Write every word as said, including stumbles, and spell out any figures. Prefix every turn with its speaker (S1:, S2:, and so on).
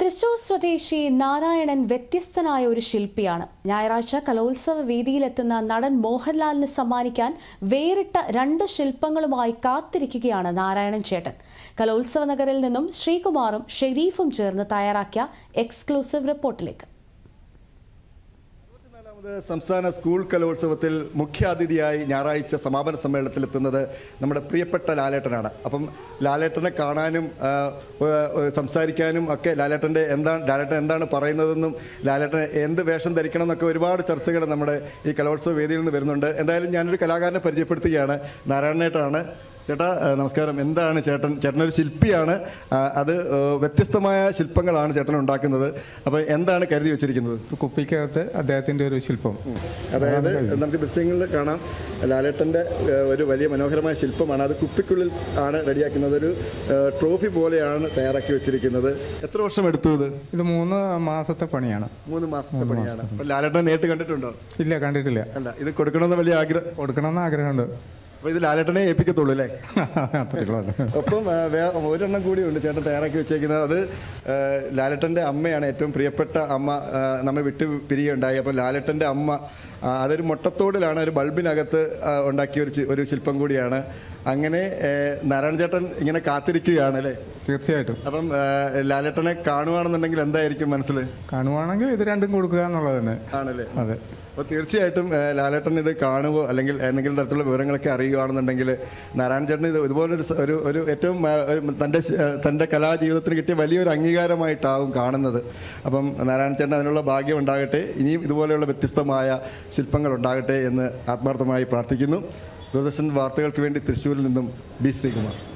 S1: തൃശൂർ സ്വദേശി നാരായണൻ വ്യത്യസ്തനായ ഒരു ശില്പിയാണ്. ഞായറാഴ്ച കലോത്സവ വേദിയിലെത്തുന്ന നടൻ മോഹൻലാലിന് സമ്മാനിക്കാൻ വേറിട്ട രണ്ട് ശില്പങ്ങളുമായി കാത്തിരിക്കുകയാണ് നാരായണൻ ചേട്ടൻ. കലോത്സവ നഗറിൽ നിന്നും ശ്രീകുമാറും ഷെരീഫും ചേർന്ന് തയ്യാറാക്കിയ എക്സ്ക്ലൂസീവ് റിപ്പോർട്ടിലേക്ക്.
S2: സംസ്ഥാന സ്കൂൾ കലോത്സവത്തിൽ മുഖ്യാതിഥിയായി ഞായറാഴ്ച സമാപന സമ്മേളനത്തിലെത്തുന്നത് നമ്മുടെ പ്രിയപ്പെട്ട ലാലേട്ടനാണ്. അപ്പം ലാലേട്ടനെ കാണാനും സംസാരിക്കാനും ഒക്കെ ലാലേട്ടൻ്റെ എന്താണ് ലാലേട്ടൻ എന്താണ് പറയുന്നതെന്നും ലാലേട്ടൻ എന്ത് വേഷം ധരിക്കണം എന്നൊക്കെ ഒരുപാട് ചർച്ചകൾ നമ്മുടെ ഈ കലോത്സവ വേദിയിൽ നിന്ന് വരുന്നുണ്ട്. എന്തായാലും ഞാനൊരു കലാകാരനെ പരിചയപ്പെടുത്തുകയാണ്. നാരായണേട്ടനാണ്. ചേട്ടാ നമസ്കാരം. എന്താണ് ചേട്ടൻ ചേട്ടനൊരു ശില്പിയാണ്. അത് വ്യത്യസ്തമായ ശില്പങ്ങളാണ് ചേട്ടൻ ഉണ്ടാക്കുന്നത്. അപ്പോൾ എന്താണ് കരുതി വെച്ചിരിക്കുന്നത്?
S3: കുപ്പിക്കകത്ത് അദ്ദേഹത്തിൻ്റെ ഒരു ശില്പം,
S2: അതായത് നമുക്ക് ദൃശ്യങ്ങളിൽ കാണാം ലാലേട്ടൻ്റെ ഒരു വലിയ മനോഹരമായ ശില്പമാണ്. അത് കുപ്പിക്കുള്ളിൽ ആണ് റെഡിയാക്കുന്നത്. ഒരു ട്രോഫി പോലെയാണ് തയ്യാറാക്കി വെച്ചിരിക്കുന്നത്. എത്ര വർഷം എടുത്തു ഇത്?
S3: ഇത് മൂന്ന് മാസത്തെ പണിയാണ്.
S2: മൂന്ന് മാസത്തെ പണിയാണ്. അപ്പോൾ ലാലേട്ടനെ നേരിട്ട് കണ്ടിട്ടുണ്ടോ?
S3: ഇല്ല, കണ്ടിട്ടില്ല.
S2: അല്ല, ഇത് കൊടുക്കണമെന്ന് വലിയ ആഗ്രഹം
S3: കൊടുക്കണമെന്ന് ആഗ്രഹമുണ്ട്.
S2: അപ്പോൾ ഇത് ലാലേട്ടനെ ഏൽപ്പിക്കത്തുള്ളൂ അല്ലേ? ഒപ്പം ഒരെണ്ണം കൂടിയുണ്ട് ചേട്ടൻ തയ്യാറാക്കി വെച്ചേക്കുന്നത്. അത് ലാലേട്ടൻ്റെ അമ്മയാണ്, ഏറ്റവും പ്രിയപ്പെട്ട അമ്മ നമ്മെ വിട്ട് പിരിയുണ്ടായി. അപ്പോൾ ലാലേട്ടൻ്റെ അമ്മ അതൊരു മുട്ടത്തോടിലാണ്, ഒരു ബൾബിനകത്ത് ഉണ്ടാക്കിയ ഒരു ഒരു ശില്പം കൂടിയാണ്. അങ്ങനെ നാരായണ ചേട്ടൻ ഇങ്ങനെ കാത്തിരിക്കുകയാണ് അല്ലേ?
S3: തീർച്ചയായിട്ടും.
S2: അപ്പം ലാലേട്ടനെ കാണുകയാണെന്നുണ്ടെങ്കിൽ എന്തായിരിക്കും മനസ്സിൽ?
S3: കാണുവാണെങ്കിൽ ഇത് രണ്ടും കൊടുക്കുക എന്നുള്ളത് തന്നെ ആണല്ലേ? അതെ.
S2: അപ്പോൾ തീർച്ചയായിട്ടും ലാലേട്ടൻ ഇത് കാണുമോ അല്ലെങ്കിൽ എന്തെങ്കിലും തരത്തിലുള്ള വിവരങ്ങളൊക്കെ അറിയുകയാണെന്നുണ്ടെങ്കിൽ നാരായണ ചേട്ടൻ ഇത് ഇതുപോലൊരു ഒരു ഒരു ഏറ്റവും തൻ്റെ തൻ്റെ കലാജീവിതത്തിന് കിട്ടിയ വലിയൊരു അംഗീകാരമായിട്ടാവും കാണുന്നത്. അപ്പം നാരായണ ചേട്ടൻ അതിനുള്ള ഭാഗ്യം ഉണ്ടാകട്ടെ. ഇനിയും ഇതുപോലെയുള്ള വ്യത്യസ്തമായ ശില്പങ്ങൾ ഉണ്ടാകട്ടെ എന്ന് ആത്മാർത്ഥമായി പ്രാർത്ഥിക്കുന്നു. ദൂരദർശൻ വാർത്തകൾക്ക് വേണ്ടി തൃശ്ശൂരിൽ നിന്നും ബി ശ്രീകുമാർ.